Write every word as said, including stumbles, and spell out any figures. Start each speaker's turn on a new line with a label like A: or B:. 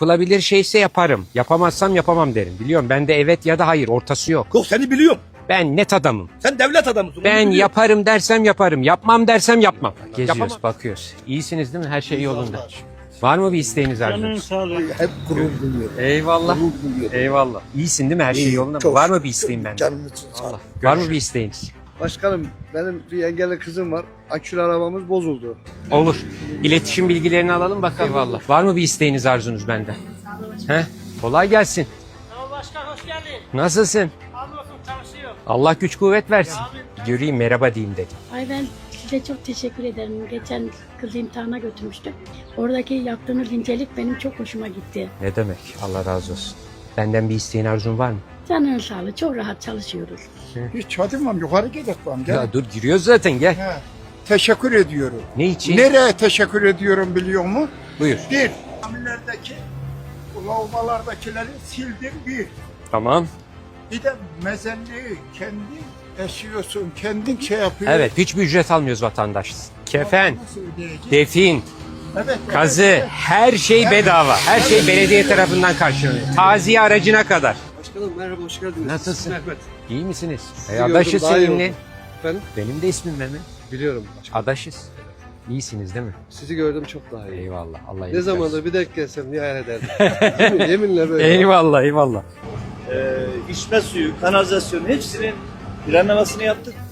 A: Yapılabilir şeyse yaparım. Yapamazsam yapamam derim. Biliyorum bende evet ya da hayır ortası yok.
B: Yok seni biliyorum.
A: Ben net adamım.
B: Sen devlet adamısın. onu
A: Ben
B: biliyorum.
A: yaparım dersem yaparım. Yapmam dersem yapmam. Geziyoruz,
B: Yapamam.
A: bakıyoruz. İyisiniz değil mi? Her şey yolunda. Var mı bir isteğiniz
C: Canın
A: arzunuz?
C: sağlığı.
B: Hep gurur duyuyorum.
A: Eyvallah.
B: Gurur duyuyorum.
A: Eyvallah. İyisin değil mi? Her şey
B: İyi,
A: yolunda mı?
B: çok
A: Var mı
B: şükür.
A: bir isteğin benden?
B: Canın için sağ ol.
A: Allah. Var mı bir isteğiniz?
D: Başkanım benim bir engelli kızım var. Akülü arabamız bozuldu.
A: Olur. İletişim bilgilerini alalım bakalım. Eyvallah. Var mı bir isteğiniz arzunuz benden? He? Kolay gelsin.
C: Tamam başkan hoş geldin.
A: Nasılsın?
C: Hamdolsun çalışıyor.
A: Allah güç kuvvet versin. Göreyim merhaba diyeyim dedim.
E: Ay ben size çok teşekkür ederim. Geçen kızı imtihana götürmüştüm. Oradaki yaptığınız incelik benim çok hoşuma gitti.
A: Ne demek? Allah razı olsun. Benden bir isteğin arzun var mı?
E: Canın sağlığı. Çok rahat çalışıyoruz.
F: Hiç çatılmam yukarı gidelim gel.
A: Ya dur giriyoruz zaten gel.
F: He. Teşekkür ediyorum.
A: Ne için?
F: Nereye teşekkür ediyorum biliyor musun?
A: Buyur.
F: Bir, camilerdeki lavabolardakileri sildim bir.
A: Tamam.
F: Bir de mezelliği kendin eşiyorsun, kendin şey yapıyorsun.
A: Evet hiçbir ücret almıyoruz vatandaş. Kefen,
F: Nasıl ödeyeceksin?
A: defin,
F: Evet,
A: kazı
F: evet.
A: her şey bedava. Her şey belediye tarafından karşılanıyor. Taziye aracına kadar.
D: Başkanım merhaba hoş geldiniz.
A: Nasılsın?
D: Mehmet.
A: İyi misiniz?
D: Sizi
A: E,
D: gördüm,
A: adaşız
D: daha iyi
A: seninle.
D: oldum. Efendim?
A: Benim de ismim Mehmet.
D: Biliyorum başkanım.
A: Adaşız. İyisiniz değil mi?
D: Sizi gördüm çok daha iyi.
A: Eyvallah. Allah
D: Ne
A: iyilik
D: zamandır
A: versin.
D: bir denk gelsem niye hayal ederdim. Yemin- Yeminle böyle.
A: Eyvallah eyvallah.
G: Ee, içme suyu, kanalizasyon hepsinin planlamasını yaptık.